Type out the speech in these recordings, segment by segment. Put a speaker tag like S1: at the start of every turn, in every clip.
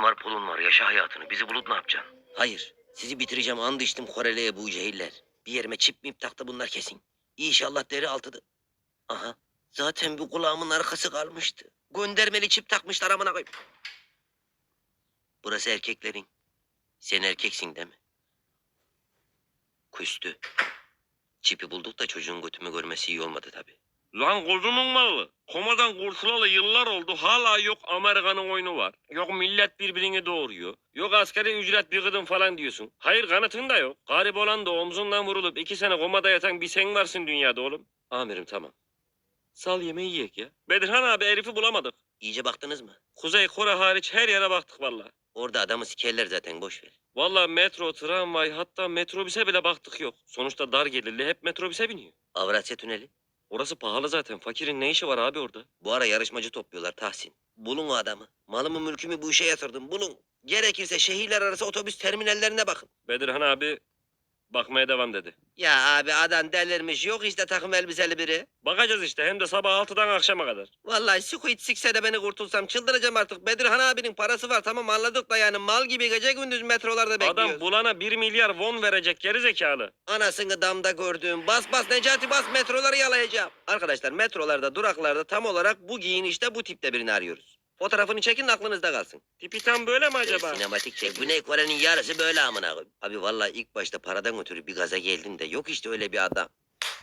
S1: var pulun var yaşa hayatını. Bizi bulup ne yapacaksın?
S2: Hayır. Sizi bitireceğim and içtim Koreli'ye bu cehiller. Bir yerime çip mip taktı bunlar kesin. İnşallah deri altıdı. Aha. Zaten bu kulağımın arkası kalmıştı. Göndermeli çip takmışlar amına koyayım. Burası erkeklerin. Sen erkeksin değil mi? Küstü. Çipi bulduk da çocuğun götümü görmesi iyi olmadı tabii.
S3: Lan kodumun malı. Komadan kurtulalı yıllar oldu. Hala yok Amerika'nın oyunu var. Yok millet birbirini doğuruyor. Yok asgari ücret bir gıdım falan diyorsun. Hayır kanıtın da yok. Garip olan da omzundan vurulup 2 sene komada yatan bir sen varsın dünyada oğlum. Amirim tamam. Sal yemeği yiyek ya. Bedirhan abi herifi bulamadık.
S2: İyice baktınız mı?
S3: Kuzey Kore hariç her yere baktık valla.
S2: Orada adamı sikerler zaten boş ver.
S3: Valla metro, tramvay hatta metrobüse bile baktık yok. Sonuçta dar gelirli hep metrobüse biniyor.
S2: Avrasya Tüneli.
S3: Orası pahalı zaten. Fakirin ne işi var abi orada?
S2: Bu ara yarışmacı topluyorlar Tahsin. Bulun o adamı. Malımı mülkümü bu işe yatırdım. Bulun. Gerekirse şehirler arası otobüs terminallerine bakın.
S3: Bedirhan abi bakmaya devam dedi.
S2: Ya abi adam delirmiş. Yok işte takım elbiseli biri.
S3: Bakacağız işte hem de sabah 6'dan akşama kadar.
S2: Vallahi Squid sikse de beni kurtulsam çıldıracağım artık. Bedirhan abinin parası var tamam anladık da yani mal gibi gece gündüz metrolarda bekliyoruz.
S3: Adam bulana 1 milyar won verecek geri zekalı.
S2: Anasını damda gördüğüm bas bas Necati bas metroları yalayacağım. Arkadaşlar metrolarda duraklarda tam olarak bu giyinişte bu tipte birini arıyoruz. Fotoğrafını çekin aklınızda kalsın.
S3: Tipi tam böyle mi acaba?
S2: Sinematik çek. Güney Kore'nin yarısı böyle amına koyayım. Abi vallahi ilk başta paradan ötürü bir gaza geldim de yok işte öyle bir adam.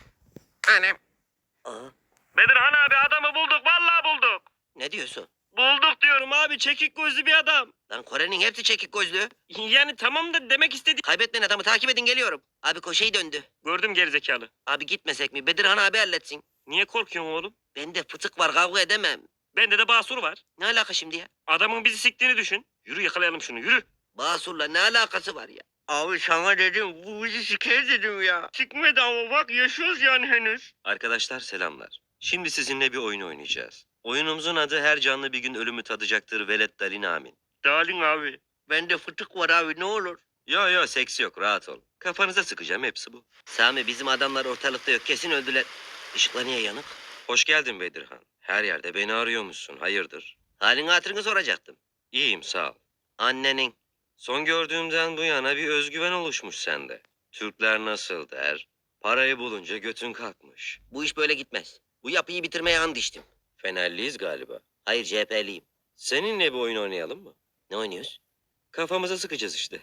S3: Annem.
S2: Aha,
S3: Bedirhan abi adamı bulduk vallahi bulduk.
S2: ne diyorsun?
S3: Bulduk diyorum abi çekik gözlü bir adam.
S2: Lan Kore'nin hepsi çekik gözlü.
S3: Yani tamam da demek istedi.
S2: Kaybetmeyin adamı takip edin geliyorum. Abi koşeyi döndü.
S3: Gördüm geri zekalı.
S2: Abi gitmesek mi? Bedirhan abi halletsin.
S3: Niye korkuyorsun oğlum?
S2: Bende fıtık var kavga edemem.
S3: Bende de basur var.
S2: Ne alaka şimdi ya?
S3: Adamın bizi siktiğini düşün. Yürü yakalayalım şunu yürü.
S2: Basur'la ne alakası var ya?
S3: Abi sana dedim bu bizi siker dedim ya. Çıkmadı ama bak yaşıyoruz yani henüz. Arkadaşlar selamlar. Şimdi sizinle bir oyun oynayacağız. Oyunumuzun adı her canlı bir gün ölümü tadacaktır velet dalin amin. Dalin abi.
S2: Bende fıtık var abi ne olur.
S3: Yo seks yok rahat ol. Kafanıza sıkacağım hepsi bu.
S2: Sami bizim adamlar ortalıkta yok kesin öldüler. Işıklar niye yanık?
S3: Hoş geldin Bedirhan. Her yerde beni arıyormuşsun hayırdır?
S2: Halini hatırını soracaktım.
S3: İyiyim sağ ol.
S2: Annenin.
S3: Son gördüğümden bu yana bir özgüven oluşmuş sende. Türkler nasıl der? Parayı bulunca götün kalkmış.
S2: Bu iş böyle gitmez. Bu yapıyı bitirmeye and içtim.
S3: Fenerliyiz galiba.
S2: Hayır CHP'liyim.
S3: Seninle bir oyun oynayalım mı?
S2: Ne oynuyoruz?
S3: Kafamıza sıkacağız işte.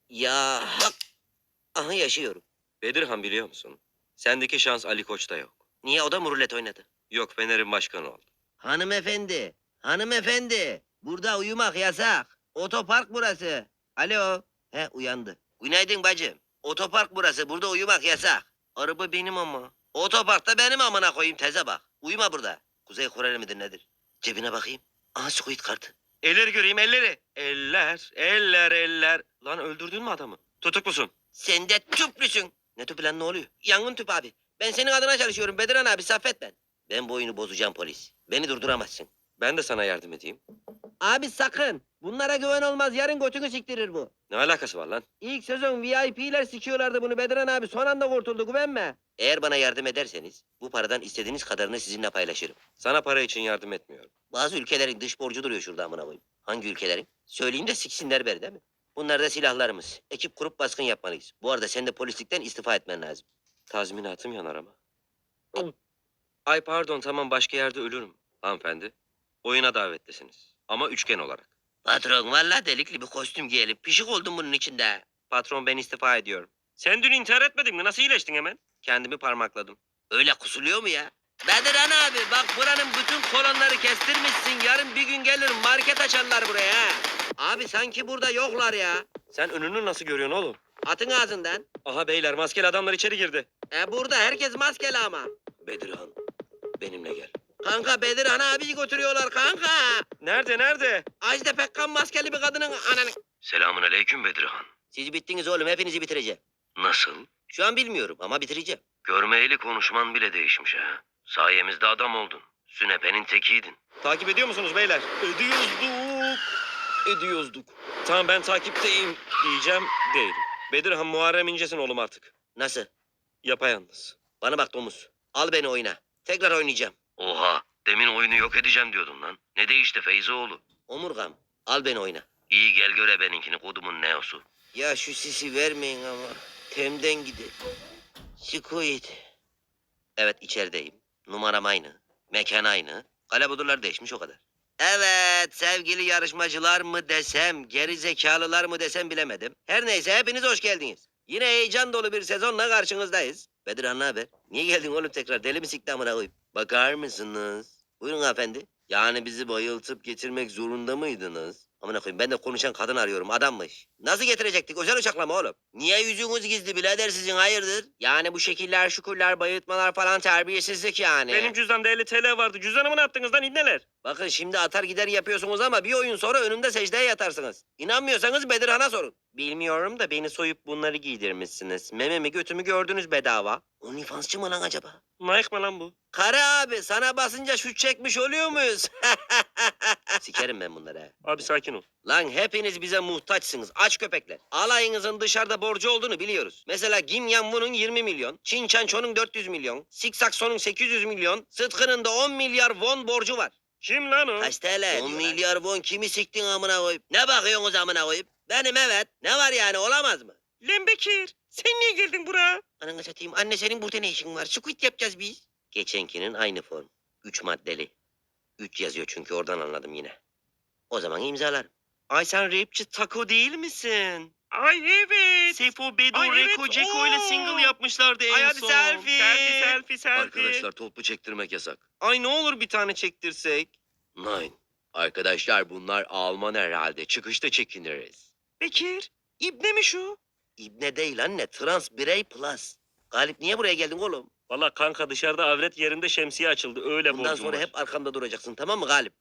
S2: Ya hak. Aha yaşıyorum.
S3: Bedirhan biliyor musun? Sendeki şans Ali Koç'ta yok.
S2: Niye o da mı rulet oynadı?
S3: Yok Fener'in başkanı oldu.
S2: Hanımefendi. Hanımefendi. Burada uyumak yasak. Otopark burası. Alo. He uyandı. Günaydın bacım. Otopark burası. Burada uyumak yasak. Araba benim ama. Otoparkta benim amına koyayım teze bak. Uyuma burada. Kuzey Koreli midir nedir? Cebine bakayım. Aha Squid kartı.
S3: Elleri göreyim elleri. Eller. Lan öldürdün mü adamı? Tutuklusun.
S2: Sen de tüplüsün. Ne tüpü lan ne oluyor? Yangın tüpü abi. Ben senin adına çalışıyorum Bediran abi Saffet ben. Ben bu oyunu bozacağım polis. Beni durduramazsın.
S3: Ben de sana yardım edeyim.
S2: Abi sakın. Bunlara güven olmaz. Yarın götünü siktirir bu.
S3: Ne alakası var lan?
S2: İlk sezon VIP'ler sikiyorlardı bunu Bediran abi. Son anda kurtuldu güvenme. Eğer bana yardım ederseniz bu paradan istediğiniz kadarını sizinle paylaşırım.
S3: Sana para için yardım etmiyorum.
S2: Bazı ülkelerin dış borcu duruyor şurada amına koyayım. Hangi ülkelerin? Söyleyeyim de siksinler beni değil mi? Bunlar da silahlarımız. Ekip kurup baskın yapmalıyız. Bu arada sen de polislikten istifa etmen lazım.
S3: Tazminatım yanar ama. Ay pardon tamam başka yerde ölürüm. Hanımefendi. Oyuna davetlisiniz. Ama üçgen olarak.
S2: Patron vallahi delikli bir kostüm giyelim. Pişik oldum bunun içinde.
S3: Patron ben istifa ediyorum. Sen dün intihar etmedin mi? Nasıl iyileştin hemen? Kendimi parmakladım.
S2: Öyle kusuluyor mu ya? Bediran abi bak buranın bütün kolonları kestirmişsin. Yarın bir gün gelir market açarlar buraya ha. Abi sanki burada yoklar ya.
S3: Sen önünü nasıl görüyorsun oğlum?
S2: Atın ağzından.
S3: Aha beyler maskeli adamlar içeri girdi.
S2: Burada herkes maskeli ama.
S3: Bedirhan benimle gel.
S2: Kanka Bedirhan abiyi götürüyorlar kanka.
S3: Nerede?
S2: Ajda Pekkan maskeli bir kadının ananı.
S1: Selamun aleyküm Bedirhan.
S2: Siz bittiniz oğlum hepinizi bitireceğim.
S1: Nasıl?
S2: Şu an bilmiyorum ama bitireceğim.
S1: Görmeyeli konuşman bile değişmiş ha. Sayemizde adam oldun. Sünepenin tekiydin.
S3: Takip ediyor musunuz beyler? Ediyozduk. Tamam ben takipteyim diyeceğim değilim. Bedirhan Muharrem İnce'sin oğlum artık.
S2: Nasıl?
S3: Yapayalnız.
S2: Bana bak domuz. Al beni oyna. Tekrar oynayacağım.
S1: Oha, demin oyunu yok edeceğim diyordun lan. Ne değişti Feyzoğlu?
S2: Omurgam. Al beni oyna.
S1: İyi gel göre benimkini kodumun neosu.
S2: Ya şu sisi vermeyin ama. Temden gidelim. Squid. Evet içerideyim. Numaram aynı. Mekan aynı. Kalabudurlar değişmiş o kadar. Evet sevgili yarışmacılar mı desem, geri zekalılar mı desem bilemedim. Her neyse hepiniz hoş geldiniz. Yine heyecan dolu bir sezonla karşınızdayız. Bedirhan ne haber? Niye geldin oğlum tekrar? Deli mi sikti amına koyayım? Bakar mısınız? Buyurun hanımefendi. Yani bizi bayıltıp getirmek zorunda mıydınız? Amına koyayım ben de konuşan kadın arıyorum adammış. Nasıl getirecektik? Özel uçakla mı oğlum? Niye yüzünüz gizli birader sizin hayırdır? Yani bu şekiller şukurlar bayıltmalar falan terbiyesizlik yani.
S3: Benim cüzdanımda 50 TL vardı. Cüzdanımı ne yaptınız lan ibneler?
S2: Bakın şimdi atar gider yapıyorsunuz ama bir oyun sonra önümde secdeye yatarsınız. İnanmıyorsanız Bedirhan'a sorun. Bilmiyorum da beni soyup bunları giydirmişsiniz. Mememi götümü gördünüz bedava. OnlyFansçı mı lan acaba?
S3: Nike mı lan bu?
S2: Kara abi sana basınca şut çekmiş oluyor muyuz? Sikerim ben bunları ha.
S3: Abi sakin ol.
S2: Lan hepiniz bize muhtaçsınız aç köpekler. Alayınızın dışarıda borcu olduğunu biliyoruz. Mesela Kim Yan-woo'nun 20 milyon, Çin Çanço'nun 400 milyon, Siksakso'nun 800 milyon, Sıtkı'nın da 10 milyar won borcu var.
S3: Kim lan o?
S2: Kaç TL? 10 milyar won kimi siktin amına koyup? Ne bakıyorsunuz amına koyup? Benim evet. Ne var yani olamaz mı?
S3: Lan Bekir. Sen niye geldin buraya?
S2: Ananı satayım. Anne senin burada ne işin var? Squid yapacağız biz. Geçenkinin aynı form. 3 maddeli. 3 yazıyor çünkü oradan anladım yine. O zaman imzalarım.
S3: Ay sen rapçi Taco değil misin? Ay evet. Sefo, Bedo,
S2: Ay evet,
S3: Reko, Ceko ile
S2: oo.
S3: single yapmışlardı en
S2: Ay hadi
S3: son.
S2: selfie.
S3: Selfie.
S1: Arkadaşlar toplu çektirmek yasak.
S3: Ay ne olur bir tane çektirsek.
S1: Nine. Arkadaşlar bunlar Alman herhalde. Çıkışta çekiniriz.
S3: Bekir, ibne mi şu?
S2: İbne değil anne. Trans birey plus. Galip niye buraya geldin oğlum?
S3: Valla kanka dışarıda avret yerinde şemsiye açıldı. Öyle
S2: Bundan
S3: borcum
S2: sonra
S3: var.
S2: hep arkamda duracaksın tamam mı Galip?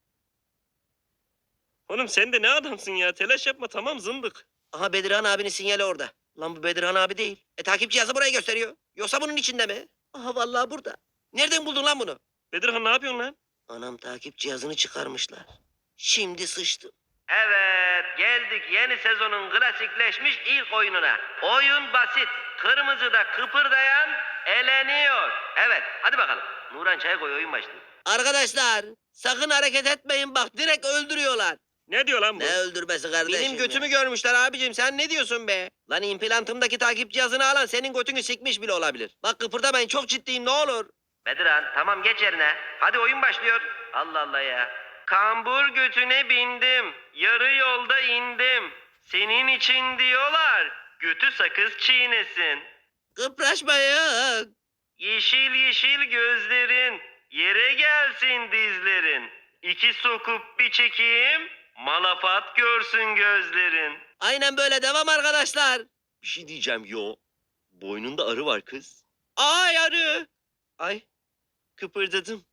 S3: Oğlum sen de ne adamsın ya? Telaş yapma tamam zındık.
S2: Aha Bedirhan abinin sinyali orada. Lan bu Bedirhan abi değil. Takip cihazı burayı gösteriyor. Yoksa bunun içinde mi? Aha vallahi burada. Nereden buldun lan bunu?
S3: Bedirhan ne yapıyorsun lan?
S2: Anam takip cihazını çıkarmışlar. Şimdi sıçtım. Evet geldik yeni sezonun klasikleşmiş ilk oyununa. Oyun basit. Kırmızıda kıpırdayan eleniyor. Evet hadi bakalım. Nuran çay koy oyun başlıyor. Arkadaşlar sakın hareket etmeyin bak direkt öldürüyorlar.
S3: Ne diyor lan bu?
S2: Ne öldürmesi kardeşim
S3: Benim götümü
S2: görmüşler abicim sen ne diyorsun be? Lan implantımdaki takip cihazını alan senin götünü sikmiş bile olabilir. Bak kıpırdamayın çok ciddiyim ne olur. Bedirhan tamam geç yerine. Hadi oyun başlıyor. Allah Allah ya. Kambur götüne bindim. Yarı yolda indim. Senin için diyorlar. Götü sakız çiğnesin. Kıpraşmayın. Yeşil yeşil gözlerin. Yere gelsin dizlerin. İki sokup bir çekeyim. Malafat görsün gözlerin. Aynen böyle devam arkadaşlar.
S1: Bir şey diyeceğim yo. Boynunda arı var kız.
S2: Ay arı. Ay kıpırdadım.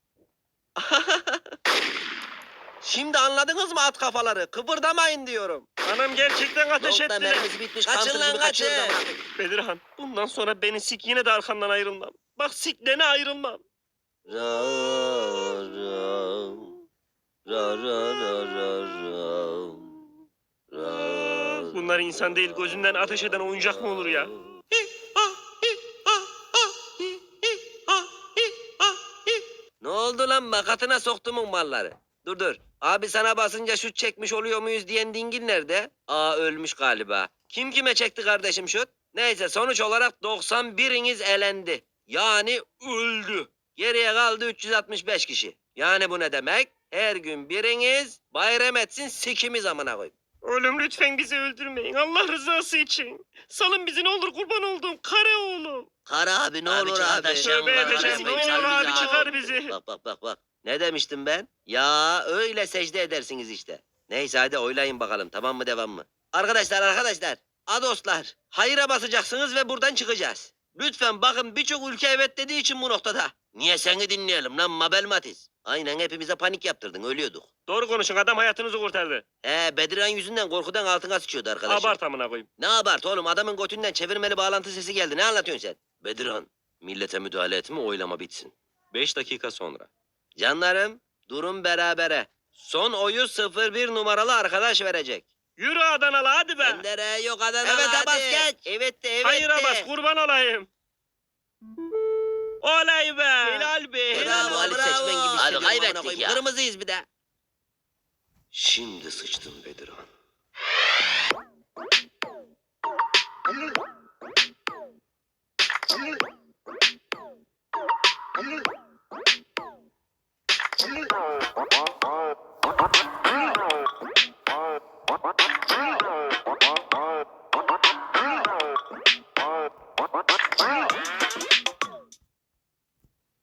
S2: Şimdi anladınız mı at kafaları? Kıpırdamayın diyorum.
S3: Anam gerçekten ateş
S2: Yolda
S3: ettiler.
S2: mermisi bitmiş. Kaçın lan kaçın.
S3: Bedirhan bundan sonra beni sik yine de arkandan ayrılmam. Bak siklene ayrılmam.
S2: Ra ra ra ra ra ra ra.
S3: Bunlar insan değil gözünden ateş eden oyuncak mı olur ya?
S2: Ne oldu lan makatına soktumun malları? Dur. Abi sana basınca şut çekmiş oluyor muyuz diyen dingil nerede? Aa ölmüş galiba. Kim kime çekti kardeşim şut? Neyse sonuç olarak 91'iniz elendi. Yani öldü. Geriye kaldı 365 kişi. Yani bu ne demek? Her gün biriniz bayram etsin sikimiz amına koyayım.
S3: Oğlum lütfen bizi öldürmeyin Allah rızası için. Salın bizi ne olur kurban olduğum kare oğlum.
S2: Kara abi ne
S1: Abi
S2: olur
S1: çıkar
S2: abi.
S1: taşıyalım
S3: Tövbe
S1: lan,
S3: edeceğim
S1: hadi
S3: ne olur
S1: çıkar bizi
S3: abi
S1: abi.
S3: çıkar bizi.
S2: Bak. Ne demiştim ben? Ya öyle secde edersiniz işte. Neyse hadi oylayın bakalım tamam mı devam mı? Arkadaşlar. Adoslar. Hayıra basacaksınız ve buradan çıkacağız. Lütfen bakın birçok ülke evet dediği için bu noktada. Niye seni dinleyelim lan Mabel Matiz? Aynen hepimize panik yaptırdın ölüyorduk.
S3: Doğru konuşun adam hayatınızı kurtardı.
S2: Bedirhan yüzünden korkudan altına sıçıyordu arkadaşım.
S3: Abart amına koyayım.
S2: Ne abart oğlum adamın götünden çevirmeli bağlantı sesi geldi ne anlatıyorsun sen?
S1: Bedirhan, millete müdahale etme oylama bitsin. 5 dakika sonra.
S2: Canlarım durum berabere. Son oyu 01 numaralı arkadaş verecek.
S3: Yürü Adanalı hadi be.
S2: Bendere yok Adana
S3: Evet,
S2: hadi.
S3: bas geç.
S2: Evet de
S3: Hayıra bas kurban olayım. Olay be. Helal be.
S2: Bravo Ali
S3: Helal
S2: Seçmen gibi
S1: Hadi
S2: hissediyorum amına
S1: kaybettik
S2: koyayım.
S1: ya.
S2: Kırmızıyız bir de.
S1: Şimdi sıçtın Bedirhan.